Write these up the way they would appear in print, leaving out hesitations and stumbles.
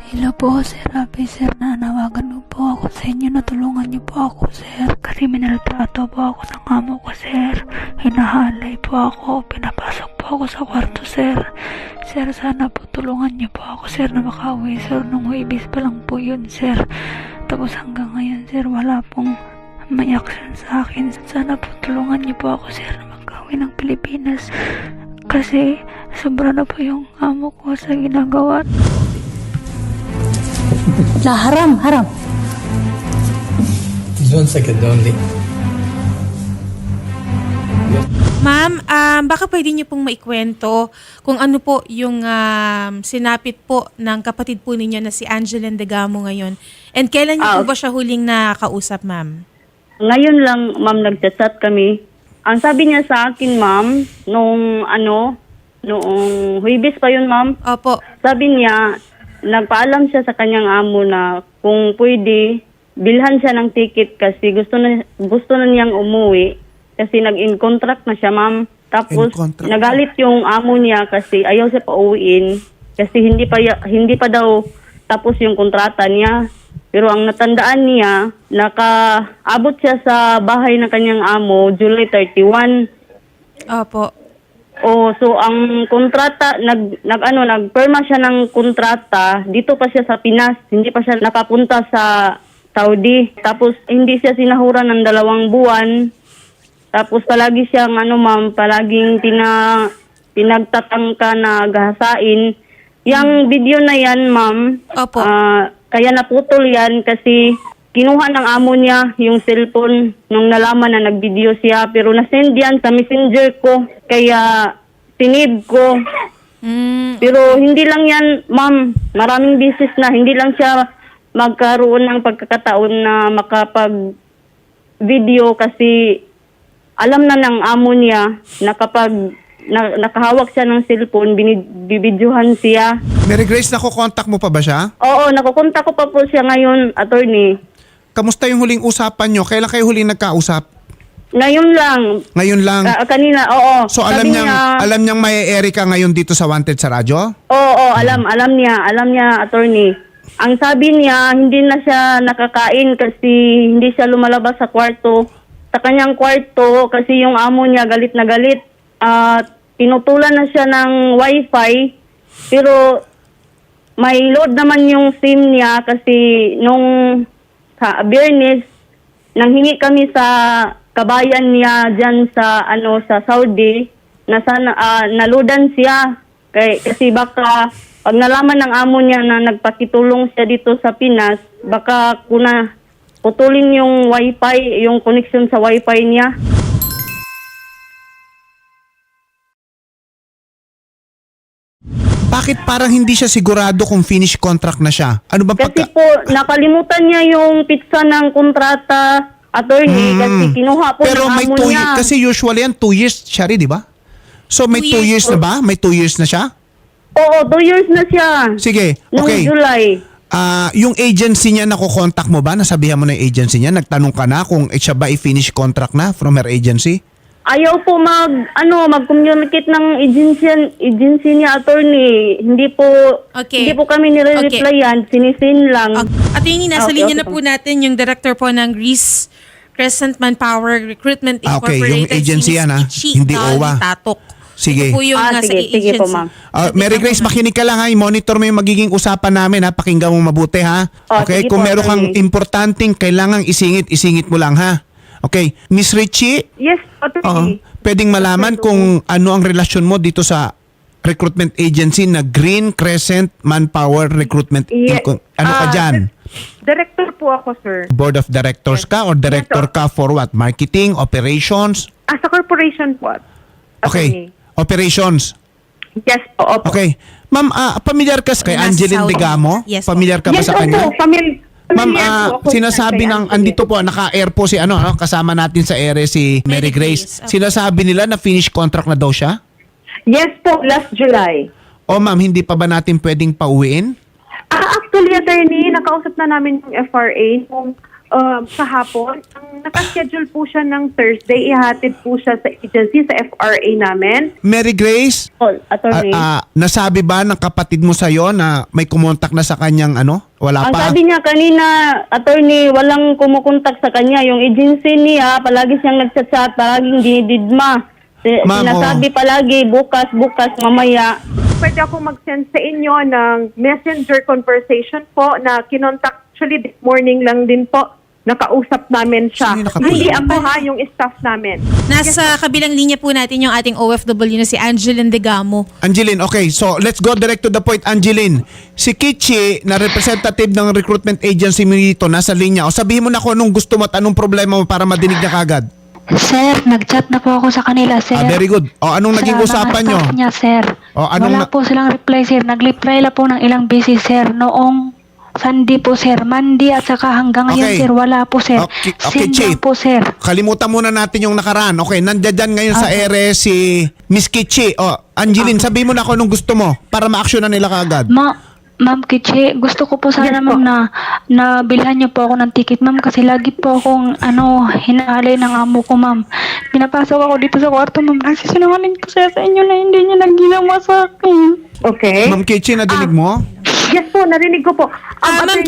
Hello po, Sir Rafi, Sir. Nanawagan mo po ako sa inyo. Natulungan niyo po ako, Sir. Kasi minaltrato po ako ng amo ko, Sir. Hinahalay po ako. Pinapasok po ako sa kwarto, Sir. Sir, sana po tulungan niyo po ako, Sir, na makauwi, Sir. Nung Huwebes pa lang po yun, Sir. Tapos hanggang ngayon, Sir, wala pong may action sa akin. Sana po tulungan niyo po ako, Sir, na makauwi ng Pilipinas. Kasi sobra na po yung amo ko sa ginagawa. La, haram. Just 1 second only. Ma'am, baka pwede niyo pong maikwento kung ano po yung sinapit po ng kapatid po ninyo na si Angeline Degamo ngayon. And kailan niyo po ba siya huling nakausap, ma'am? Ngayon lang, ma'am, nagchat kami. Ang sabi niya sa akin, ma'am, noong Huwebes pa yun, ma'am. Opo. Sabi niya, nagpaalam siya sa kanyang amo na kung pwede, bilhan siya ng ticket kasi gusto na niyang umuwi kasi nag-in contract na siya, ma'am. Tapos nagalit yung amo niya kasi ayaw siya pauwiin kasi hindi pa daw tapos yung kontrata niya. Pero ang natandaan niya, nakaabot siya sa bahay ng kanyang amo July 31. Opo. So ang kontrata nagperma siya ng kontrata dito pa siya sa Pinas, hindi pa siya nakapunta sa Saudi. Tapos hindi siya sinahuran ng 2 buwan. Tapos palagi siyang palaging pinagtatangka na gahasain. Yang video na yan, ma'am. Opo. Kaya naputol yan kasi kinuha ng amo niya yung cellphone nung nalaman na nag-video siya. Pero nasend yan sa messenger ko. Kaya sinave ko. Pero hindi lang yan, ma'am. Maraming beses na. Hindi lang siya magkaroon ng pagkakataon na makapag-video kasi alam na ng amo niya na kapag nakahawak siya ng cellphone, binibidyohan siya. Mary Grace, nakokontak mo pa ba siya? Oo, nakukontak ko pa po siya ngayon, attorney. Kamusta yung huling usapan nyo? Kailan kayo huling nagkausap? Ngayon lang. Ngayon lang? Kanina, oo. So alam niyang may Erika ngayon dito sa Wanted sa radyo? Oo, alam niya, attorney. Ang sabi niya, hindi na siya nakakain kasi hindi siya lumalabas sa kwarto. Sa kanyang kwarto kasi yung amo niya galit na galit. Pinutulan na siya ng wifi pero may load naman yung SIM niya kasi nung sa Biyernes nanghingi kami sa kabayan niya diyan sa sa Saudi na sana naloadan siya kasi baka pag nalaman ng amo niya na nagpakitulong siya dito sa Pinas baka putulin yung wifi, yung connection sa wifi niya. Bakit parang hindi siya sigurado kung finish contract na siya? Ano ba Kasi po, nakalimutan niya yung pizza ng kontrata, attorney, kasi kinuha po Pero ng may amo 2 niya. kasi usually yan 2 years siya rin, di ba? So may 2 years na ba? May 2 years na siya? Oo, 2 years na siya. Sige, Noong okay. July. Yung agency niya, nakokontak mo ba? Nasabihan mo na yung agency niya? Nagtanong ka na kung siya ba i-finish contract na from her agency? Ayaw po mag-communicate ng agency niya, attorney. Hindi po kami nire-replyan, sinisin lang. Attorney, nasa linya na po natin yung director po ng Greece Crescent Manpower Recruitment Incorporated. yung agency yan, ha? Hindi OWA. Tatok. Sige. Ito po yung nasa sige po, ma'am. Mary Grace, makinig ka lang ha. I-monitor mo yung magiging usapan namin ha. Pakinggan mo mabuti ha. Okay? sige Kung po, meron kang attorney. importanteng kailangang isingit mo lang ha. Okay? Miss Richie, Yes, attorney. pwedeng malaman kung ano ang relasyon mo dito sa recruitment agency na Green Crescent Manpower Recruitment. Ano ka dyan? Director po ako, sir. Board of Directors ka or director ka for what? Marketing? Operations? Sa corporation po. Okay. Operations. Yes po, opo. Okay. Ma'am, pamilyar ka kay Nasa Angeline Saudi. Degamo? Yes po. Pamilyar ka ba Yes, sa kanya? opo. Ma'am, Familiar po ako sinasabi kay ng Angeline. andito po, naka-air po si kasama natin sa ere si Mary Mary Grace. Grace. Sinasabi nila na finish contract na daw siya? Yes po, last July. O ma'am, hindi pa ba natin pwedeng pauwiin? Actually, attorney, nakausap na namin yung FRA. kahapon, ang nakaschedule po siya ng Thursday, ihatid po siya sa agency, sa FRA namin. Mary Grace, Attorney. nasabi ba ng kapatid mo sa'yo na may kumontak na sa kanyang ano? Wala Ang pa? sabi niya kanina, attorney, walang kumukontak sa kanya. Yung agency niya, palagi siyang nagchat-chat, palaging dinididma. Ma'am, Sinasabi palagi, bukas, mamaya. Pwede ako mag-send sa inyo ng messenger conversation po na kinontak. Actually, this morning lang din po, nakausap namin siya. Sino nakapula? Hindi ako yung staff namin. Nasa kabilang linya po natin yung ating OFW na si Angeline Degamo. Angeline, okay. So, let's go direct to the point, Angeline. Si Kichi, na representative ng recruitment agency mo dito, nasa linya. O sabihin mo na kung anong gusto mo at anong problema mo para madinig niya kagad. Sir, nag-chat na po ako sa kanila, sir. Very good. O, anong naging Sa usapan mga nyo? staff niya, sir. O, anong Wala po silang reply, sir. Nag-reply lang po ng ilang beses, sir. Noong Sunday po, sir. Monday at saka hanggang ngayon, Okay. sir. Wala po, sir. Okay, Send Chief. lang po, sir. Kalimutan muna natin yung nakaraan. Okay, nandiyan dyan ngayon sa ere si Miss Kichi. O, Angeline, sabihin mo na kung anong gusto mo para ma-action na nila kagad. Ma'am Kichi, gusto ko po sana, Yes po. ma'am, na bilhan niyo po ako ng ticket, ma'am, kasi lagi po akong, hinahalay ng amo ko, ma'am. Pinapasok ako dito sa kwarto, ma'am. Nagsisinungaling ko sa inyo na hindi niya naginawa sa akin. Okay? Ma'am Kichi, nadinig mo? Yes po, narinig ko po. Ma'am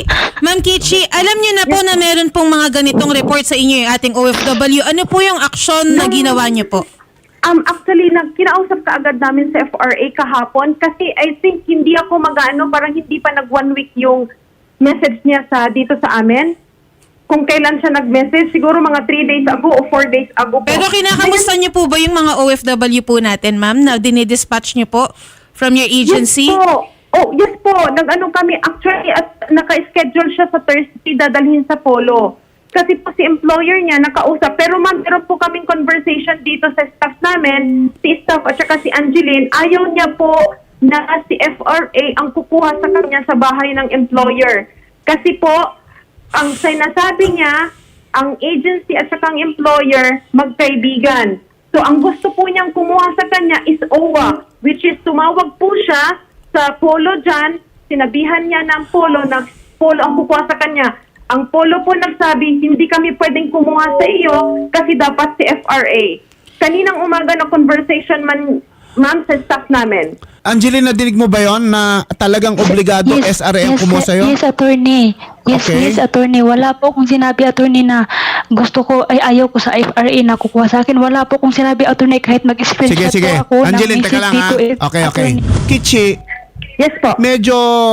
Kichi, alam niyo na po na meron pong mga ganitong report sa inyo yung ating OFW. Ano po yung aksyon na ginawa niyo po? Actually, kinausap ka agad namin sa FRA kahapon kasi I think hindi ako parang hindi pa nag 1 week yung message niya dito sa amin. Kung kailan siya nag-message, siguro mga 3 days ago o 4 days ago po. Pero kinakamusta niyo po ba yung mga OFW po natin, ma'am, na dinidispatch niyo po from your agency? Yes po. Yes po. Kami. Actually, at naka-schedule siya sa Thursday dadalhin sa Polo. Kasi po si employer niya nakausap. Pero ma'am, meron po kaming conversation dito sa staff namin, si staff at saka si Angeline. Ayaw niya po na si FRA ang kukuha sa kanya sa bahay ng employer. Kasi po, ang sinasabi niya, ang agency at saka ang employer magkaibigan. So ang gusto po niyang kumuha sa kanya is OWA, which is tumawag po siya sa Polo dyan, sinabihan niya ng Polo na Polo ang kukuha sa kanya. Ang Polo po nagsabi, hindi kami pwedeng kumuha sa iyo kasi dapat si FRA. Kaninang umaga na conversation ma'am, sa staff namin. Angeline, nadinig mo ba yon na talagang obligado SRA ang kumuha sa'yo? Yes, attorney. Okay. Yes, attorney. Wala po kung sinabi, attorney, na gusto ko, ayaw ko sa FRA na kukuha sa akin. Wala po kung sinabi, attorney, kahit mag-screenshot Sige. po ako. Angeline, teka lang ha. Okay. Attorney. Kichi, Yes po. medyo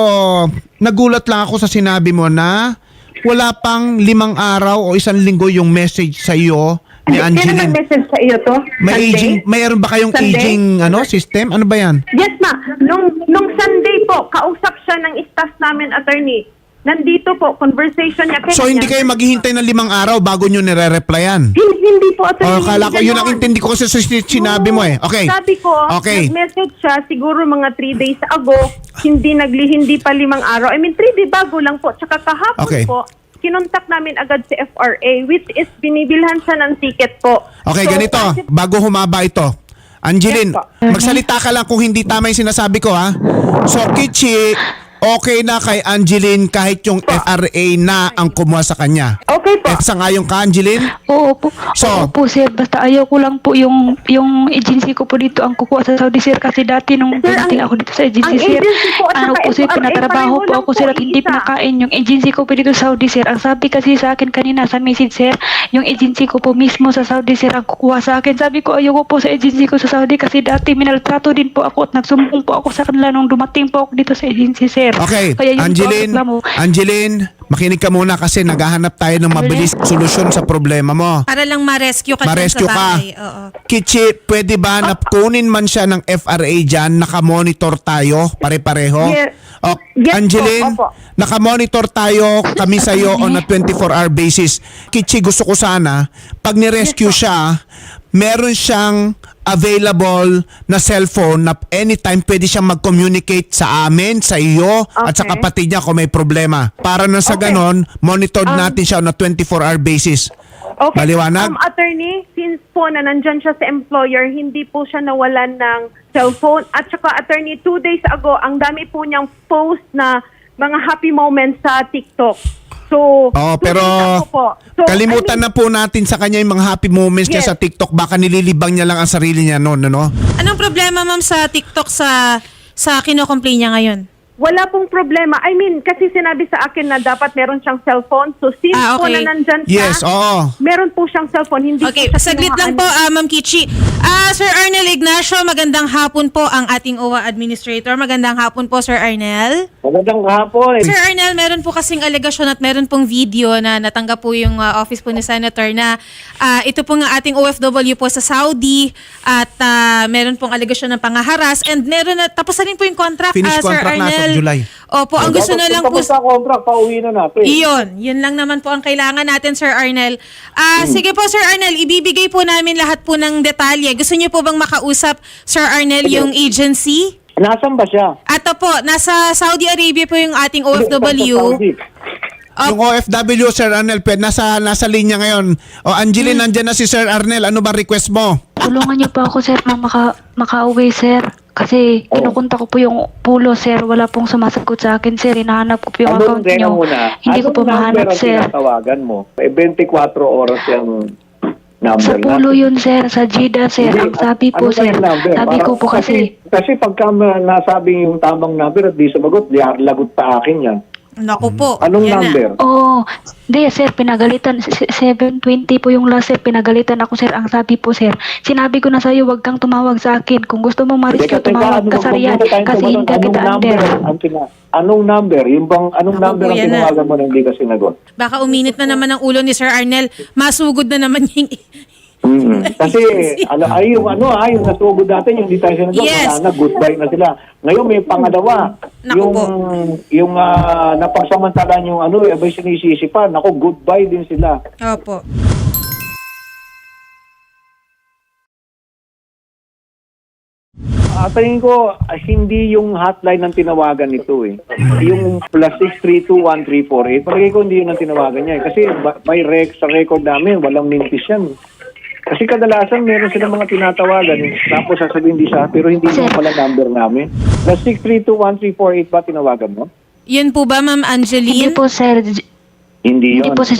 nagulat lang ako sa sinabi mo na wala pang 5 araw o 1 linggo yung message sa iyo ni Sino Angeline. nag-message sa iyo to? Mayroon ba kayong Sunday? aging system? Ano ba yan? Yes, ma. Nung Sunday po, kausap siya ng staff namin, attorney. Nandito po, conversation niya. So hindi kayo maghihintay ng 5 araw bago nyo nire-replyan? Hindi po, attorney. Kala ko, hindi yun ang ganon. intindi ko kasi sa sinabi mo eh. Okay. Sabi ko, Okay. nag-message siya siguro mga 3 days ago, hindi pa 5 araw. I mean, 3 days bago lang po. Tsaka kahapon Okay. po, kinontak namin agad si FRA, which is binibilhan siya ng ticket po. Okay, So, ganito. kasi- Bago humaba ito. Angeline, Yes po. magsalita ka lang kung hindi tama yung sinasabi ko ha. So, Kichi, okay na kay Angeline kahit yung FRA na ang kumuha sa kanya. Okay po. Sangayon ka, Angeline? Oo po. So- Oo po, sir. Basta ayaw ko lang po yung agency ko po dito ang kukuha sa Saudi, sir. Kasi dati nung Sir, dumating ang- ako dito sa agency, ang sir. agency po at saka Sir, FRA, pinatrabaho pareho po lang ako, sir, po, at hindi iisa. pinakain yung agency ko po dito sa Saudi, sir. Ang sabi kasi sa akin kanina sa message, sir, yung agency ko po mismo sa Saudi, sir, ang kukuha sa akin. Sabi ko, ayaw ko po sa agency ko sa Saudi kasi dati minaltrato din po ako at nagsumbong po ako sa kanila nung dumating po ako dito sa agency, sir. Okay, Kaya yun po ang Angeline, reklamo. Angeline, makinig ka muna kasi naghahanap tayo ng mabilis solusyon sa problema mo. Para lang ma-rescue ka dyan sa Ma-rescue ka. bahay. Oo. Kichi, pwede ba na kunin man siya ng FRA dyan, nakamonitor tayo, pare-pareho? Yes. O, Yes po, Angeline, opo. nakamonitor tayo kami sa iyo on a 24-hour basis. Kichi, gusto ko sana, pag ni-rescue siya, meron siyang available na cellphone na anytime pwede siyang mag-communicate sa amin, sa iyo, at sa Okay. kapatid niya kung may problema. Para na sa Okay. ganon, monitored natin siya on a 24-hour basis. Okay. Maliwanag? Attorney, since po na nandyan siya sa employer, hindi po siya nawalan ng cellphone. At saka, attorney, 2 days ago, ang dami po niyang post na mga happy moments sa TikTok. So, Pero susundan ko po. So, kalimutan na po natin sa kanya yung mga happy moments niya Yes. sa TikTok. Baka nililibang niya lang ang sarili niya noon, ano? Anong problema, ma'am, sa TikTok sa kino-complain niya ngayon? Wala pong problema. I mean, kasi sinabi sa akin na dapat meron siyang cellphone. So, since po okay. na nandyan siya, Yes, oo. meron po siyang cellphone. Hindi Okay, po siya saglit lang po, Ma'am Kichi. Sir Arnel Ignacio, magandang hapon po ang ating OWA Administrator. Magandang hapon po, Sir Arnel. Magandang hapon. Sir Arnel, meron po kasing alegasyon at meron pong video na natanggap po yung office po ni Senator na ito po nga ating OFW po sa Saudi at meron pong alegasyon ng pangaharas and meron na, tapos na rin po yung contract, Finish Sir contract na as of Arnel. July. Opo, ang gusto na lang po... Tapos sa contract, pauwi na natin. Yun lang naman po ang kailangan natin, Sir Arnel. Sige po, Sir Arnel, ibibigay po namin lahat po ng detalye. Gusto niyo po bang makausap, Sir Arnel, yung agency? Nasaan ba siya? Ato po, nasa Saudi Arabia po yung ating Sa OFW. Saudi. Yung OFW, Sir Arnel, nasa linya ngayon. O, Angeline, nandyan na si Sir Arnel. Ano ba request mo? Tulungan niyo po ako, sir, na makauwi, sir. Kasi kinukunta ko po yung pulo, sir. Wala pong sumasagot sa akin, sir. Hinahanap ko po yung account Teka niyo. muna. Hindi ko po mahanap, ang sir. tinatawagan mo? 24 oras yung number Sa pulo na. yun, sir. Sa Jida, sir. Hindi, Ang sabi po, ano ba sir. yung number? Sabi ko po kasi... Kasi pagka nasabing yung tamang number at di sumagot, di lagot pa akin yan. Naku po. Anong yan na. number? Oo. Hindi, sir. Pinagalitan. 720 po yung last, sir. Pinagalitan ako, sir. Ang sabi po, sir. Sinabi ko na sa'yo, wag kang tumawag sa akin. Kung gusto mo ma-rescue, tumawag ka sa Riyadh. Kasi hindi kita under. Anong number? Yung bang, anong Naku number po, ang yan na. tinawagan mo na hindi ka sinagot? Baka uminit na naman ang ulo ni Sir Arnel. Masugod na naman yung... Kasi yung nasugod natin yung di tayo sinagot, Yes. wala na, goodbye na sila. Ngayon may pangalawa, Naku po. yung napagsamantalan yung abay sinisisi pa, naku, goodbye din sila. Opo. Tingin ko, hindi yung hotline ang tinawagan nito eh. Yung +6321348, palagay ko hindi yun ang tinawagan niya eh. Kasi by sa record namin, walang mintis yan. Kasi kadalasan meron silang mga tinatawagan, tapos sasabihin di siya, pero hindi mo pala number namin. +6321348 ba tinawagan mo? Yun po ba, Ma'am Hindi Angeline? po, sir. Hindi Hindi yun. po sa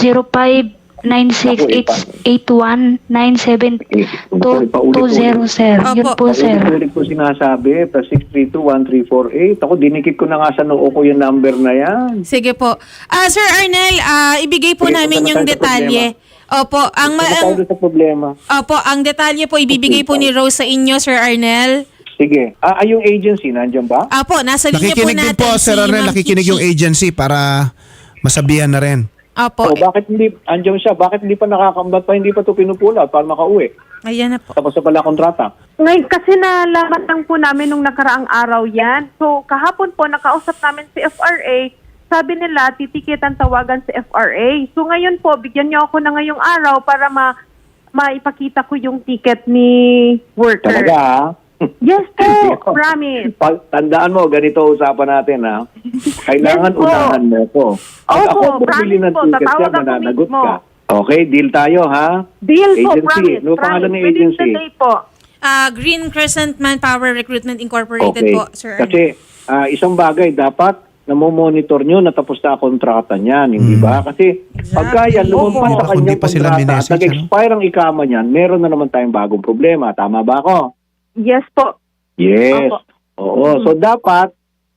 0596819720, sir. Yun po, sir. Ulit ko sinasabi, +6321348. Ako, dinikit ko na nga sa noo ko yung number na yan. Sige po. Sir Arnel, ibigay po Sige, namin punta na yung tayo sa detalye. Opo, Ano sa problema? Opo, ang detalye po ibibigay po ni Rose sa inyo, Sir Arnel. Sige. Yung agency, nandiyan ba? Opo, nasa linya po Nakikinig din natin po, Sir Arnel. Ma'am Nakikinig Kichi. yung agency para masabihan na rin. Opo, Bakit hindi, andiyan siya, bakit hindi pa nakakambat pa, hindi pa ito pinupula para makauwi? ayan na po. Tapos na pala kontrata. Ngayon, kasi nalaman lang po namin nung nakaraang araw yan. So, kahapon po, nakausap namin si FRA. Sabi nila, titikitan tawagan si FRA. So, ngayon po, bigyan niyo ako na ngayong araw para maipakita ko yung ticket ni worker. Talaga, ha? Yes po, promise. Tandaan mo, ganito usapan natin, ha? Kailangan Yes po. unahan mo ko. Pag Opo, ako bumili ng promise po, ticket tatawag siya, ako mananagot mismo. ka. Okay, deal tayo, ha? Deal po, Agency. promise. Ano pangalan ng Within agency? the day po. Green Crescent Manpower Recruitment Incorporated Okay. po, Sir Arnel. Kasi isang bagay, dapat namomonitor nyo, natapos na ang kontrata niyan, hindi ba? Kasi pagka yan, lumampas sa Kung di kanyang pa sila kontrata, minessage, nag-expire ang ikama niyan, meron na naman tayong bagong problema. Tama ba ako? Yes po. Yes. Opo. Oo. So, dapat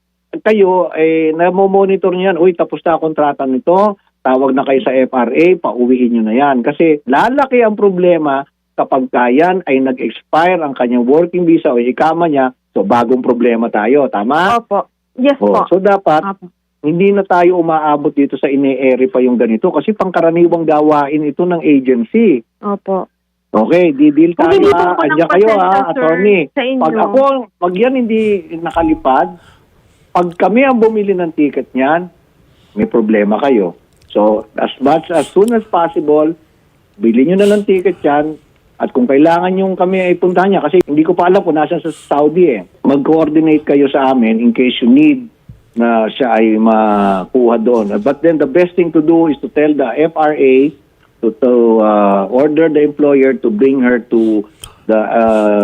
kayo, namomonitor niyan, uy, tapos na ang kontrata nito, tawag na kayo sa FRA, pauwiin nyo na yan. Kasi lalaki ang problema kapag kayan ay nag-expire ang kanyang working visa o ikama niya, so bagong problema tayo. Tama? Opo. Yes po. So dapat, Opo. hindi na tayo umaabot dito sa ine-ere pa yung ganito kasi pangkaraniwang gawain ito ng agency. Opo. Okay, di-deal tayo Humingi po ha. ako ng Andiyan kayo pasensya, ha, sir, attorney. sa inyo. Pag yan hindi nakalipad, pag kami ang bumili ng ticket niyan, may problema kayo. So, as soon as possible, bili nyo na ng ticket yan. At kung kailangan yung kami ay puntahan niya, kasi hindi ko pa alam kung nasa sa Saudi eh. Mag-coordinate kayo sa amin in case you need na siya ay makuha doon. But then the best thing to do is to tell the FRA to order the employer to bring her to the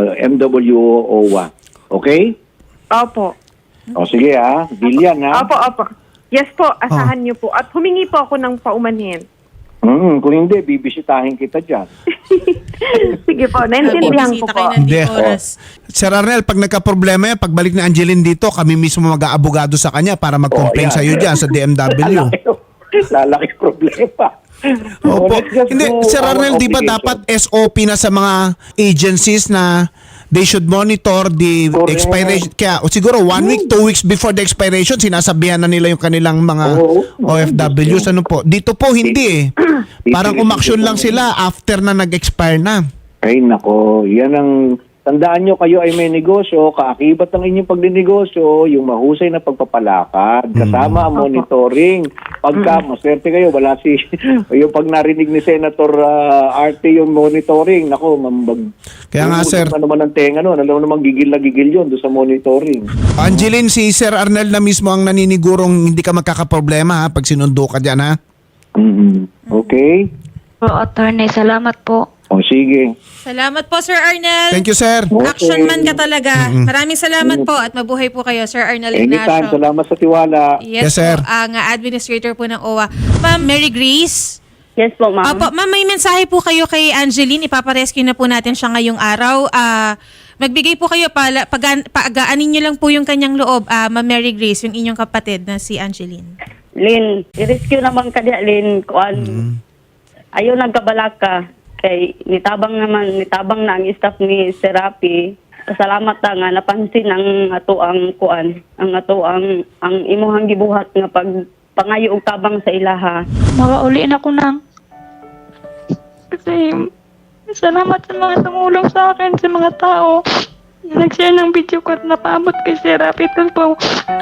MWO OWA. Okay? Opo. O sige ha, deal yan ha. Opo, opo. Yes po, asahan niyo po. At humingi po ako ng paumanhin. Kung hindi, bibisitahin kita dyan. Sige po, naintindihan ko Bibisita po. kayo ng Hindi. oras. Sir Arnel, pag nagka-problema yan, pagbalik ni Angeline dito, kami mismo mag-aabogado sa kanya para mag-complain yan. sa'yo dyan sa DMW. Lalaki problema. Opo. Let's just Hindi, do Sir our Arnel, di ba obligation. dapat SOP na sa mga agencies na they should monitor the Correct. expiration? Kaya o siguro 1 week, 2 weeks before the expiration, sinasabihan na nila yung kanilang mga Oo. OFWs. Ano po? Dito po hindi eh. Parang umaksyon lang sila after na nag-expire na. Ay nako, yan ang tandaan nyo, kayo ay may negosyo, kaakibat ng inyong pagdinegosyo, yung mahusay na pagpapalakad, kasama ang monitoring. Pagka maswerte kayo, wala si, yung pag narinig ni Senator RT yung monitoring, nako, Kaya nga, sir. naman ang tenga nun, alam mo naman gigil na gigil yun doon sa monitoring. Angeline, si Sir Arnel na mismo ang naninigurong hindi ka magkakaproblema ha, pag sinundo ka dyan ha. Okay? Po, attorney, salamat po. O sige. Salamat po, Sir Arnel. Thank you, sir. Action man ka talaga. Maraming salamat po at mabuhay po kayo, Sir Arnel Anytime, Ignacio. salamat sa tiwala. Yes, Yes, sir. po, ang administrator po ng OWA. Ma'am Mary Grace. Yes po, ma'am. Opo, ma'am, may mensahe po kayo kay Angeline. Ipaparescue na po natin siya ngayong araw. Magbigay po kayo, pagaanin niyo lang po yung kanyang loob, Ma'am Mary Grace, yung inyong kapatid na si Angeline. Lin, i-rescue naman ka diya, Lin. Kuan. Ayaw nagkabalaka. Kay nitabang na ang staff ni Serapi. Salamat ta nga napansin ang ato ang kuan, ang ato ang imuhang gibuhat nga pangayo og tabang sa ilaha. Makauli na ko nang. Kasi salamat sa mga tumulong sa akin, sa mga tao. Nag-share ng video ko at napaabot kay Sir Rapi po.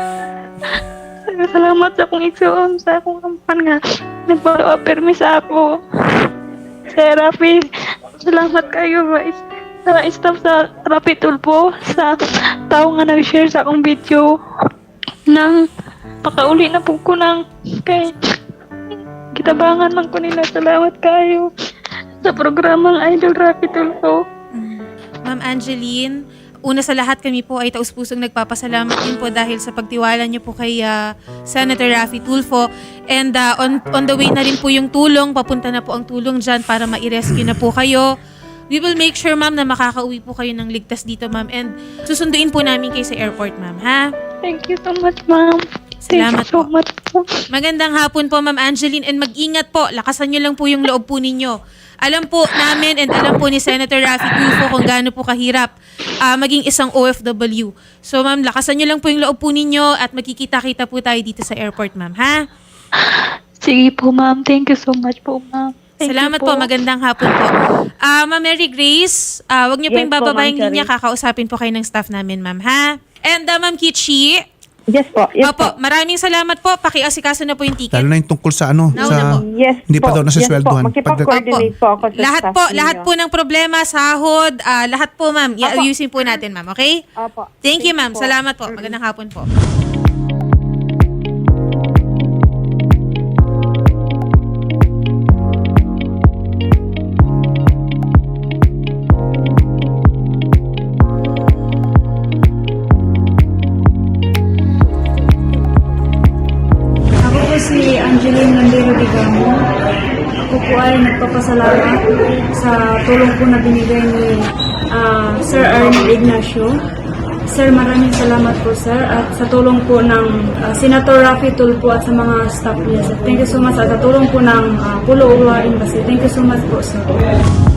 Salamat sa akong igsoon, sa akong kampan nga. Nag-follow up permi sa ako. Sir Rapi, salamat kayo guys. Sa staff sa Rapi Tulpo, sa tao nga nag-share sa akong video. Nang makauli na po ko nang kay kitabangan man ko nila. Salamat kayo sa programang Idol Rapi Tulpo. Ma'am Angeline, una sa lahat kami po ay taus-pusong nagpapasalamat din po dahil sa pagtiwala niyo po kay Senator Raffy Tulfo. And on the way na rin po yung tulong, papunta na po ang tulong dyan para ma-rescue na po kayo. We will make sure, ma'am, na makakauwi po kayo ng ligtas dito, ma'am. And susunduin po namin kayo sa airport, ma'am, ha? Thank you so much, ma'am. Salamat Thank you so po. much po. Magandang hapon po, Ma'am Angeline, and mag-ingat po. Lakasan niyo lang po yung loob po ninyo. Alam po namin and alam po ni Senator Raffy Tulfo kung gaano po kahirap maging isang OFW. So, Ma'am, lakasan niyo lang po yung loob po ninyo at magkikita-kita po tayo dito sa airport, Ma'am, ha? Sige po, ma'am. Thank you so much po, ma'am. Thank Salamat you po. Magandang hapon po. Ma'am Mary Grace, wag niyo po Yes yung po, bababa yung Ma'am linya. Cherry. Kakausapin po kayo ng staff namin, Ma'am, ha? And Ma'am Kichi, Yes po, yes opo, po. maraming salamat po. Pakiasikaso na po yung ticket. Lalo na yung tungkol sa ano, Nauna sa po. Yes hindi pa po, daw nasasweldohan. Yes po, makipag-coordinate po ako sa Lahat staff po, ninyo. lahat po ng problema, sahod, lahat po, ma'am. I-ayusin po natin, ma'am. Okay? Opo. Thank you, ma'am. po. Salamat po. Magandang hapon po. Ako po si Angeline Landero Digamo. Ako po ay nagpapasalamat sa tulong po na binigay ni Sir Arnel Ignacio. Sir, maraming salamat po, sir. At sa tulong po ng Senator Raffy Tulfo at sa mga staff niya, sir. Thank you so much. At sa tulong po ng Pulo Uwa Embassy. Thank you so much po, sir.